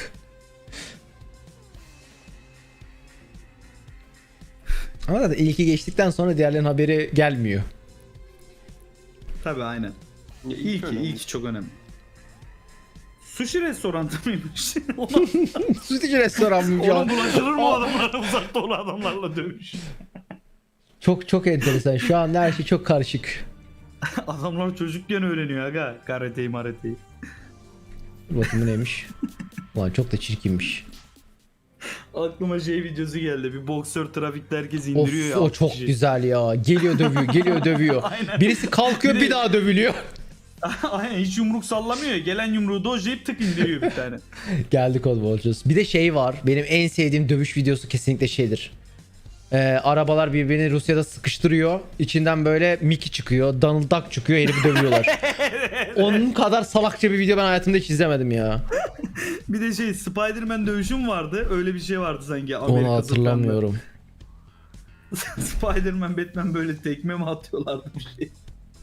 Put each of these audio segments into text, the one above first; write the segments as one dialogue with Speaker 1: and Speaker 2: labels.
Speaker 1: Ama da ilki geçtikten sonra diğerlerinin haberi gelmiyor.
Speaker 2: Tabii aynen.
Speaker 3: Ya önemli.
Speaker 2: İlki çok önemli. Sushi restoranı mıymış?
Speaker 1: Sütücü restoran mı?
Speaker 2: Ona bulaşılır mı o adamlara, uzakta olan adamlarla dövüş?
Speaker 1: Çok enteresan. Şu anda her şey çok karışık.
Speaker 2: Adamlar çocukken öğreniyor aga. Karateyi marateyi.
Speaker 1: Dur bakayım bu neymiş? Ulan çok da çirkinmiş.
Speaker 2: Aklıma şey videosu geldi. Bir boksör trafikte herkes indiriyor
Speaker 1: Of
Speaker 2: ya.
Speaker 1: o
Speaker 2: altı
Speaker 1: çok
Speaker 2: kişi.
Speaker 1: güzel ya. Geliyor dövüyor, geliyor dövüyor.
Speaker 2: Aynen.
Speaker 1: Birisi kalkıyor
Speaker 2: Bir de-
Speaker 1: bir daha dövülüyor.
Speaker 2: Aynen hiç yumruk sallamıyor ya. Gelen yumruğu dojlayıp tık indiriyor bir tane.
Speaker 1: Geldik oğlum olacağız. Bir de şey var. Benim en sevdiğim dövüş videosu kesinlikle şeydir. Arabalar birbirini Rusya'da sıkıştırıyor. İçinden böyle Mickey çıkıyor. Donald Duck çıkıyor. Herifi dövüyorlar. Onun kadar salakça bir video ben hayatımda hiç izlemedim ya.
Speaker 2: Bir de şey Spider-Man dövüşüm vardı. Öyle bir şey vardı sanki.
Speaker 1: Onu hatırlamıyorum.
Speaker 2: Spider-Man, Batman böyle tekme mi atıyorlardı bir şey.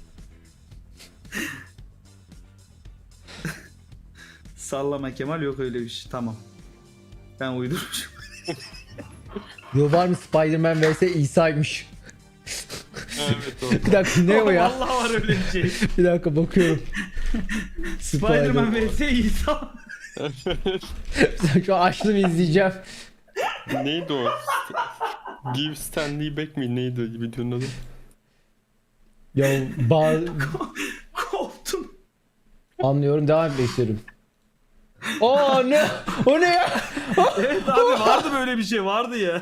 Speaker 2: Sallama Kemal, yok öyle bir şey. Tamam. Ben uydurmuşum.
Speaker 1: Yo, var mı Spider-Man vs İsa'ymış.
Speaker 3: Evet o.
Speaker 1: Bir dakika ne o ya?
Speaker 2: Vallahi var öyle bir şey.
Speaker 1: Bir dakika bakıyorum.
Speaker 2: Spider-Man vs İsa.
Speaker 1: Şu an açtım izleyeceğim.
Speaker 3: Neydi o? Give Stanley Back mi? Neydi videonun adı?
Speaker 1: Ya
Speaker 2: Koptum.
Speaker 1: anlıyorum, devam etmek istiyorum. Oo ne? O ne ya?
Speaker 2: Evet abi, vardı böyle bir şey, vardı ya.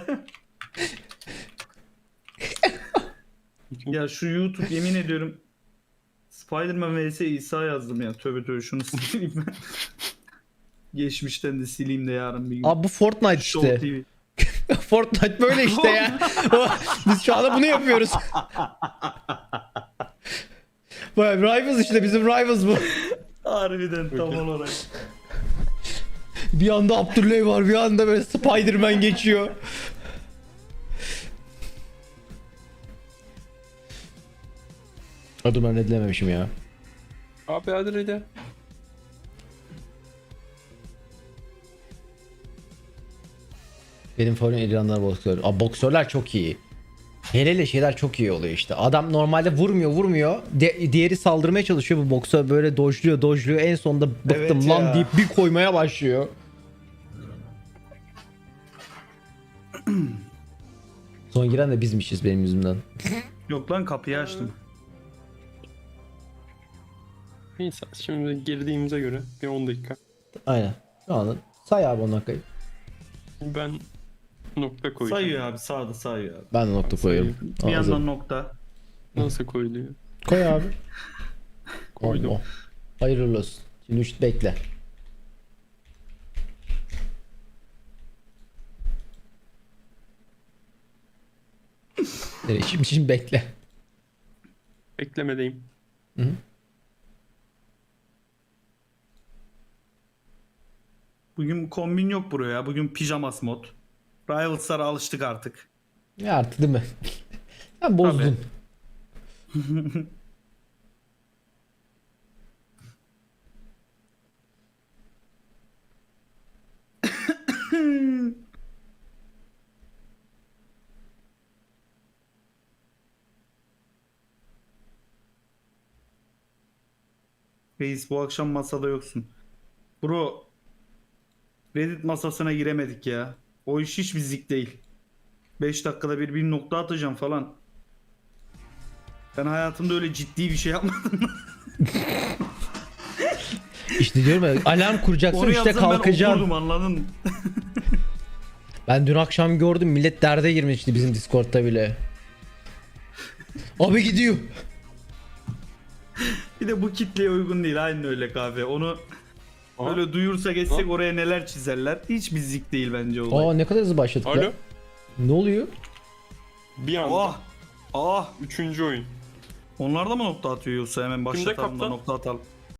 Speaker 2: Ya şu YouTube, yemin ediyorum Spider-Man vs İsa yazdım ya. Tövbe tövbe, şunu sileyim ben. Geçmişten de sileyim de yarın bir gün.
Speaker 1: Abi bu Fortnite
Speaker 2: Show
Speaker 1: işte.
Speaker 2: TV.
Speaker 1: Fortnite böyle işte ya. Biz şu anda bunu yapıyoruz. Vay, Rivals işte, bizim Rivals bu.
Speaker 2: Harbiden tam olarak.
Speaker 1: Bir anda Abdüley var, bir anda böyle Spider-Man geçiyor. Dur ben redlememişim ya.
Speaker 3: Abi hadi de.
Speaker 1: Benim favorim İrlandalı boksör. Abi boksörler çok iyi. Hele hele şeyler çok iyi oluyor işte. Adam normalde vurmuyor. Diğeri saldırmaya çalışıyor. Bu boksör böyle dojluyor. En sonunda bıktım
Speaker 2: Evet
Speaker 1: lan
Speaker 2: ya.
Speaker 1: deyip bir koymaya başlıyor. Son giren de bizmişiz benim yüzümden.
Speaker 2: Yok lan, kapıyı açtım.
Speaker 3: Neyse şimdi girdiğimize göre bir 10 dakika.
Speaker 1: Aynen. Şu anda say abi 10 dakikayı.
Speaker 3: Ben nokta koyacağım.
Speaker 2: Sayıyor abi, sağda sayıyor abi.
Speaker 1: Ben de nokta koyuyorum.
Speaker 2: Bir
Speaker 1: Hazır.
Speaker 2: yandan nokta.
Speaker 3: Nasıl koyuluyor?
Speaker 1: Koy abi.
Speaker 3: Koydum.
Speaker 1: Allah. Hayırlı olsun. Şimdi 3 bekle. Şimdi bekle.
Speaker 3: Beklemedeyim.
Speaker 1: Hı -hı.
Speaker 2: Bugün kombin yok buraya. Bugün pijamas mod. Rivals'lara alıştık artık.
Speaker 1: Ya artık değil mi? Sen bozdun.
Speaker 2: Reis, bu akşam masada yoksun. Bro, Reddit masasına giremedik ya. O iş hiç bizlik değil. 5 dakikada bir nokta atacağım falan. Ben hayatımda öyle ciddi bir şey yapmadım.
Speaker 1: İşte diyorum ya, alarm kuracaksın
Speaker 2: Onu
Speaker 1: işte
Speaker 2: yapsam ben
Speaker 1: kalkacaksın.
Speaker 2: okurdum, anladın mı?
Speaker 1: Ben dün akşam gördüm, millet derde girmişti bizim Discord'ta bile. Abi gidiyor.
Speaker 2: Bir de bu kitleye uygun değil, aynen öyle kahve. Onu
Speaker 3: Aha.
Speaker 2: öyle duyursa geçsek
Speaker 3: Aha.
Speaker 2: oraya neler çizerler. Hiç bizlik değil bence olay.
Speaker 1: Aa ne kadar hızlı başladık
Speaker 3: Alo.
Speaker 1: ya. Ne oluyor?
Speaker 3: Bir anda.
Speaker 2: Ah! Ah!
Speaker 3: 3. oyun.
Speaker 2: Onlar da mı nokta atıyor, yoksa hemen başlatalım da
Speaker 3: kaptan?
Speaker 2: nokta atalım.